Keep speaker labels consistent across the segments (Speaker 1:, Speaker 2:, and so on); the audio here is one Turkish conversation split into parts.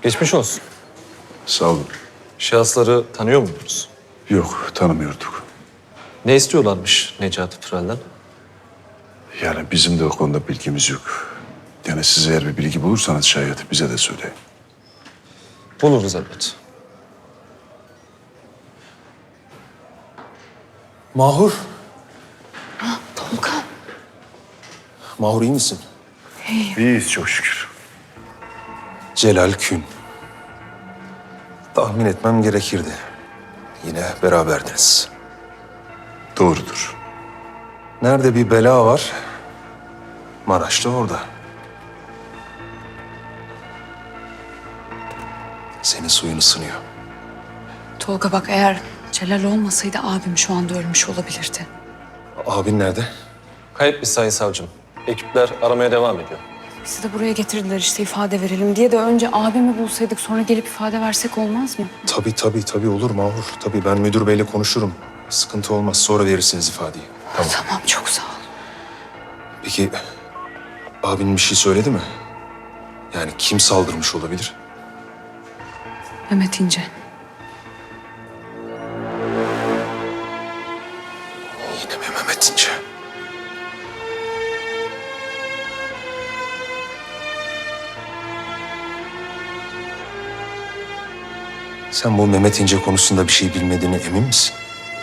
Speaker 1: Geçmiş olsun.
Speaker 2: Sağ olun.
Speaker 1: Şahısları tanıyor muydunuz?
Speaker 2: Yok, tanımıyorduk.
Speaker 1: Ne istiyorlarmış Necati Pıral'dan?
Speaker 2: Yani bizim de o konuda bilgimiz yok. Yani siz eğer bir bilgi bulursanız şayet bize de söyleyin.
Speaker 1: Buluruz elbet.
Speaker 3: Mahur.
Speaker 4: Tolga.
Speaker 3: Mahur iyi misin?
Speaker 2: İyiyiz çok şükür.
Speaker 3: Celal Kün. Tahmin etmem gerekirdi. Yine beraberdiniz.
Speaker 2: Doğrudur.
Speaker 3: Nerede bir bela var, Maraş'ta orada. Senin suyun ısınıyor.
Speaker 4: Tolga bak, eğer Celal olmasaydı abim şu anda ölmüş olabilirdi.
Speaker 3: Abin nerede?
Speaker 1: Kayıp bir sayın savcım. Ekipler aramaya devam ediyor.
Speaker 4: Bizi de buraya getirdiler işte ifade verelim diye de önce abimi bulsaydık sonra gelip ifade versek olmaz mı?
Speaker 3: Tabii olur Mahur. Tabii ben müdür beyle konuşurum. Sıkıntı olmaz, sonra verirsiniz ifadeyi.
Speaker 4: Tamam çok sağ ol.
Speaker 3: Peki abin bir şey söyledi mi? Yani kim saldırmış olabilir?
Speaker 4: Mehmet İnce.
Speaker 3: Yine mi Mehmet İnce? Sen bu Mehmet İnce konusunda bir şey bilmediğine emin misin?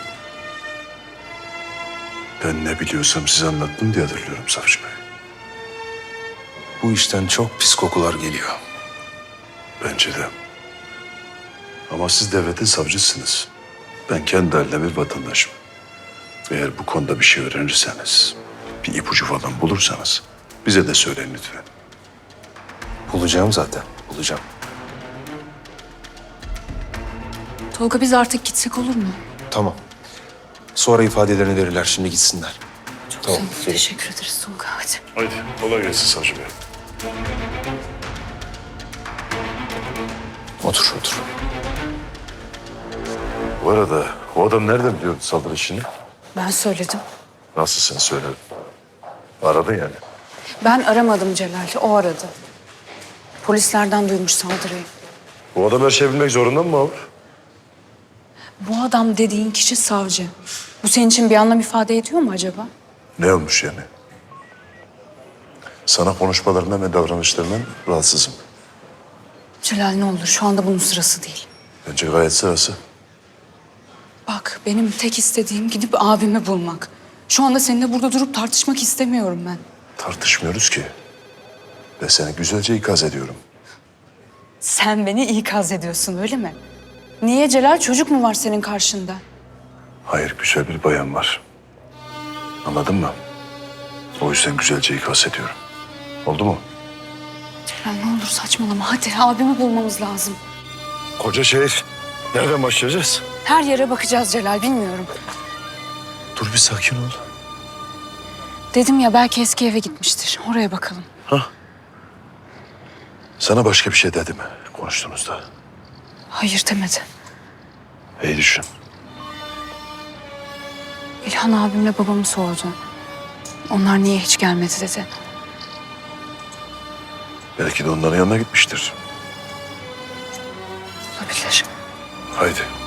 Speaker 2: Ben ne biliyorsam size anlattım diye hatırlıyorum savcı bey.
Speaker 3: Bu işten çok pis kokular geliyor.
Speaker 2: Bence de. Ama siz devletin savcısınız. Ben kendi haline bir vatandaşım. Eğer bu konuda bir şey öğrenirseniz, bir ipucu falan bulursanız bize de söyleyin lütfen.
Speaker 3: Bulacağım zaten, bulacağım.
Speaker 4: Tolga biz artık gitsek olur mu?
Speaker 3: Tamam. Sonra ifadelerini verirler, şimdi gitsinler.
Speaker 4: Çok
Speaker 3: Tamam,
Speaker 4: sağ ol.
Speaker 3: gelin.
Speaker 4: Teşekkür ederiz Tolga, hadi.
Speaker 2: Haydi kolay gelsin savcı bey.
Speaker 3: Otur.
Speaker 2: Bu arada o adam nereden biliyordu saldırı işini?
Speaker 4: Ben söyledim.
Speaker 2: Nasıl sen söyledin? Aradı yani.
Speaker 4: Ben aramadım Celal'i, o aradı. Polislerden duymuş saldırıyı.
Speaker 2: Bu adam her şeyi bilmek zorunda mı abi?
Speaker 4: Bu adam dediğin kişi savcı. Bu senin için bir anlam ifade ediyor mu acaba?
Speaker 2: Ne olmuş yani? Sana konuşmalarından ve davranışlarından rahatsızım.
Speaker 4: Celal ne olur şu anda bunun sırası değil.
Speaker 2: Bence gayet sırası.
Speaker 4: Bak benim tek istediğim gidip abimi bulmak. Şu anda seninle burada durup tartışmak istemiyorum ben.
Speaker 2: Tartışmıyoruz ki. Ve seni güzelce ikaz ediyorum.
Speaker 4: Sen beni ikaz ediyorsun öyle mi? Niye Celal, çocuk mu var senin karşında?
Speaker 2: Hayır, güzel bir bayan var. Anladın mı? O yüzden güzelce ikaz ediyorum. Oldu mu?
Speaker 4: Celal ne olur saçmalama, hadi abimi bulmamız lazım.
Speaker 2: Koca şehir. Nereden başlayacağız?
Speaker 4: Her yere bakacağız Celal, bilmiyorum.
Speaker 2: Dur bir sakin ol.
Speaker 4: Dedim ya belki eski eve gitmiştir, oraya bakalım.
Speaker 2: Sana başka bir şey dedi mi konuştuğunuzda?
Speaker 4: Hayır demedi.
Speaker 2: İyi düşün.
Speaker 4: İlhan abimle babamı sordu. Onlar niye hiç gelmedi dedi.
Speaker 2: Belki de onların yanına gitmiştir.
Speaker 4: Olabilir.
Speaker 2: Haydi.